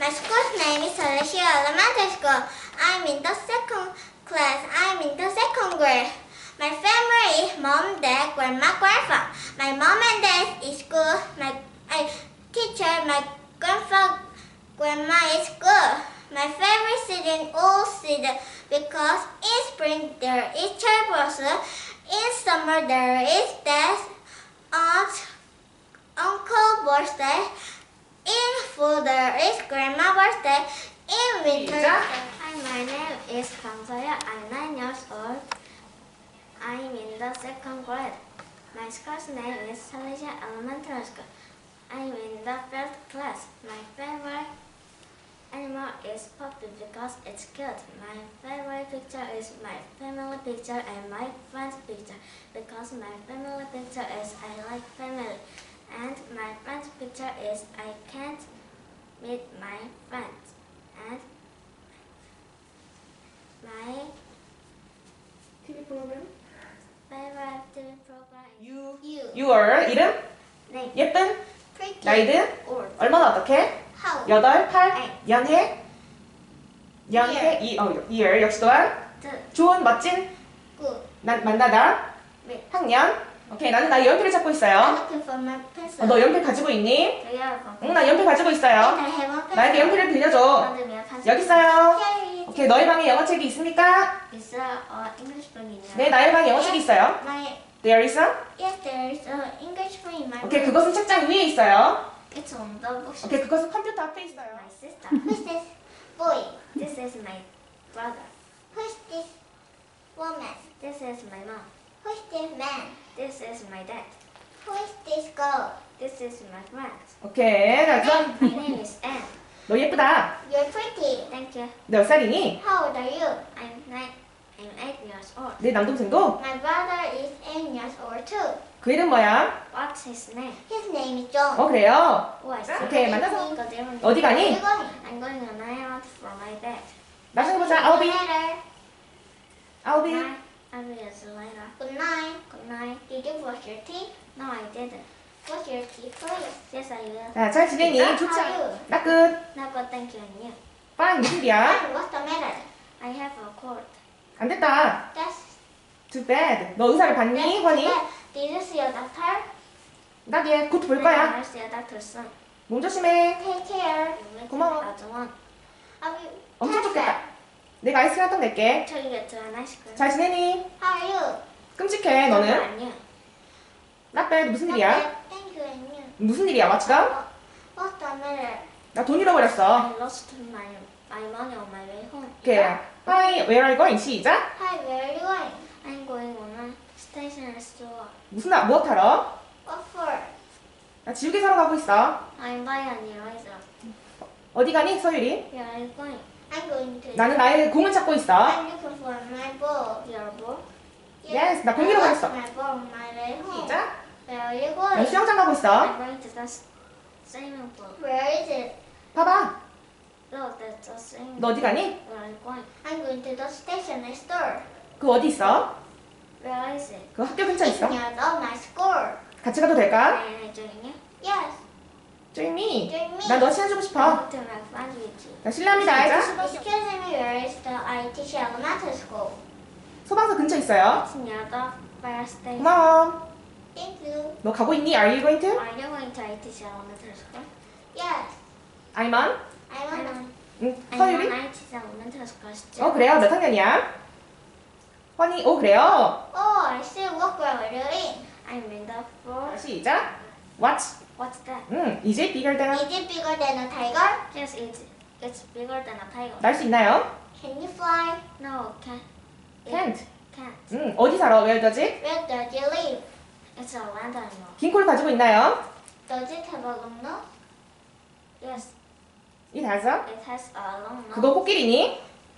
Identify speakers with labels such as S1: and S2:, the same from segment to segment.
S1: My school's name is Salesian Elementary School. I'm in the second class. I'm in the second grade. My family is mom, dad, grandma, grandpa. My mom and dad is good. My teacher, my grandpa, grandma is good. My favorite season all season because in spring there is cherry blossom. In summer there is dad, aunt, uncle birthday. In fall there is grandma birthday. In winter.
S2: Hi, my name is Kang Soya. I'm 9 years old. I'm in the second grade. My school's name is Salesian Elementary School. I'm in the first class. My favorite animal is puppy because it's cute. My favorite picture is my family picture and my friend's picture because my family picture is I like family. And my friend's picture is I can't meet my friends. And my
S3: TV 프로그램?
S2: favorite TV program is
S3: Your 이름?
S2: name.
S3: 예쁜?
S1: Pretty.
S3: 나이든?
S2: Old.
S3: 얼마나 어떻게?
S1: How?
S3: 8, 8,
S2: 네.
S3: 연해? year 역시 또한 좋은, 멋진,
S1: Good.
S3: 만나다,
S2: 네.
S3: 학년. 오케이, 나는 나의 연필을 찾고
S1: I'm
S3: 있어요.
S1: looking for my pencil.
S3: 너 연필 가지고 있니?
S2: 저요.
S3: 응, 나 연필 가지고 있어요.
S1: I have a pencil.
S3: 나에게 연필을 빌려줘.
S2: 만들면
S3: 여기 있어요.
S1: Here
S3: 오케이, 너희 방에 영어책이 있습니까?
S2: 있어. English book 있냐?
S3: 네, 나의 방에 영어책이 있어요.
S1: My
S3: There is a?
S1: yes, there is an English book in my
S3: 오케이,
S1: room.
S3: 그것은 책장 위에 있어요.
S2: It's on the bookshelf.
S3: 오케이, 그것은 컴퓨터 앞에 있어요.
S2: My sister.
S1: Who's this boy?
S2: This is my brother.
S1: Who's this woman?
S2: This is my mom.
S1: Who's this man?
S2: This is my dad.
S1: Who is this girl?
S2: This is my friend.
S3: 오케이, 자, 그럼
S2: My name is Anne.
S3: 너 예쁘다.
S1: You're pretty.
S2: Thank you.
S3: 몇 살이니?
S1: How old are you?
S2: I'm 8 years old.
S3: 내 남동생도?
S1: My brother is 8 years old too.
S3: 그 이름 뭐야?
S2: What's his name?
S1: His name is John.
S3: 그래요.
S2: Oh, I see.
S3: 오케이, 만나서.
S2: Go there.
S3: 어디 가니?
S1: Where are you going?
S2: I'm going on an errand for my dad.
S3: 나중에 보자. I'll be.
S1: Later.
S3: I'll be.
S2: Bye. I'll be see you later.
S1: Good night.
S2: Good night.
S1: Did you brush your teeth?
S2: No, I didn't.
S1: Brush your teeth first.
S2: Yes, I will.
S3: 자, 잘 지내니? 좋지
S1: How are
S3: 않아?
S1: you?
S3: 나 끝.
S2: No, but thank you and you.
S3: Fine, 무슨 일이야?
S1: Fine, what's the matter?
S2: I have a cold.
S3: 안 됐다.
S1: That's
S3: Too bad. 너 의사를 봤니,
S1: too
S3: 환희?
S1: bad. Did you see a doctor?
S3: 나 얘 곧 볼 거야.
S2: I'll see a doctor soon.
S3: 몸 조심해.
S1: Take care.
S2: You will
S3: 고마워.
S2: take that one.
S1: Have you?
S3: 엄청
S1: Take
S3: 좋겠다.
S1: care.
S3: 내가 아이스크림 한통 낼게.
S2: Till you get to an ice cream.
S3: 잘 지내니?
S1: How are you?
S3: 끔찍해,
S2: No,
S3: 너는.
S2: and you.
S3: 나 빼. 무슨
S1: Not
S3: 일이야?
S1: bad. Thank you and you.
S3: 무슨 일이야, what's up?
S1: What's the matter?
S3: 나 돈 잃어버렸어.
S2: I lost my money on my way home.
S3: 오케이. Hi, where are you going? 시작.
S1: Hi, where are you going?
S2: I'm going on a stationery store.
S3: 무엇 하러?
S1: What for?
S3: 나 지우개 사러 가고 있어.
S2: I'm buying an eraser.
S3: 어디 가니, 서유리?
S2: Where are you going?
S1: I'm going to.
S3: 나는 나의 공을 찾고 있어.
S1: I'm looking for my ball.
S2: Your ball?
S3: Yes, 나
S1: I
S3: 공
S1: lost
S3: 잃어버렸어.
S1: my ball on my way home.
S3: 시작.
S1: Where are you
S3: 난
S1: going?
S3: 수영장 가고 있어.
S2: I'm going to the swimming pool.
S1: Where is it?
S3: 봐봐.
S2: No, that's a swimming
S3: 너 어디 가니?
S2: Where are you going?
S1: I'm going to the stationery store.
S3: 그 어디 있어?
S2: Where is it?
S3: 그 학교 근처에
S1: It's
S3: 있어.
S1: near my school.
S3: 같이 가도 될까?
S2: Can I join you?
S1: Yes,
S3: 조이미.
S1: join me.
S3: 난 너 친해지고
S2: I
S3: 싶어.
S2: want to make friends with you.
S3: 나 실례합니다.
S1: Excuse me, where is the ITC Elementary School?
S3: 소방서 근처에 있어요.
S2: It's near the fire station.
S3: 고마워.
S1: Thank you.
S3: 너 가고 있니? Are you going to?
S2: Are you going to ITC Elementary School?
S1: Yes,
S3: I'm on.
S1: I'm on.
S3: 응,
S2: I'm
S3: 서유리?
S2: on ITC Elementary School still.
S3: 그래요? 몇 학년이야? 환희, 그래요?
S1: Oh, I see. What grade are you in?
S2: I'm in the floor.
S3: 시작. What?
S2: What's that?
S3: is it bigger than
S1: Is it bigger than a tiger?
S2: Yes, it's bigger than a tiger.
S3: 날 수 있나요?
S1: Can you fly?
S2: No,
S3: Can't.
S2: can't.
S3: 어디 살아? Where does it?
S1: Where does it live?
S2: It's a land animal.
S3: 긴 코를 가지고 있나요?
S1: Does it have a long nose?
S2: Yes,
S3: It has a.
S2: it has a long nose.
S3: 그거 코끼리니?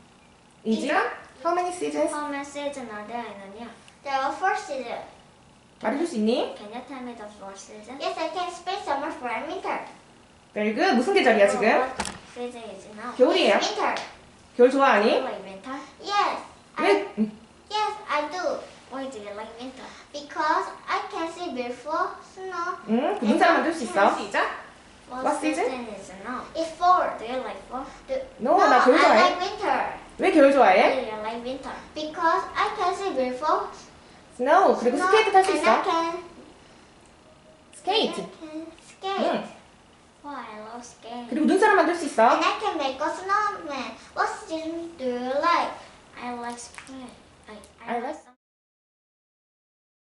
S3: Is it? How many seasons?
S2: How many seasons are there in a year?
S1: There are 4 seasons.
S3: 말해줄 수 있니?
S2: Can you tell me the 4 seasons?
S1: Yes, I can spring, summer, fall, and winter.
S3: Very good. 무슨 계절이야 지금?
S2: What season is it now?
S3: 겨울이에요.
S1: It's winter.
S3: 겨울 좋아하니?
S2: Like winter?
S1: Yes,
S3: 왜?
S1: yes, I do.
S2: Why do you like winter?
S1: Because I can see before snow.
S3: 그 문장 만들 수 있어. 시작. What season?
S2: is no.
S1: It's fall.
S2: Do you like fall?
S3: No, 나 겨울
S1: I
S3: 좋아해.
S1: like winter
S3: 왜 겨울
S2: Do
S3: 좋아해?
S2: you like winter?
S1: because I can see before.
S3: Snow. 그리고 스케이트 탈 수
S1: and I
S3: 있어.
S1: can
S3: 스케이트.
S1: skate.
S3: 응.
S2: Oh, I love skating.
S3: 그리고 눈사람 만들 수 있어.
S1: And I can make a snowman. What season do you like?
S2: I like spring. I
S3: I
S2: like
S3: like-
S2: summer.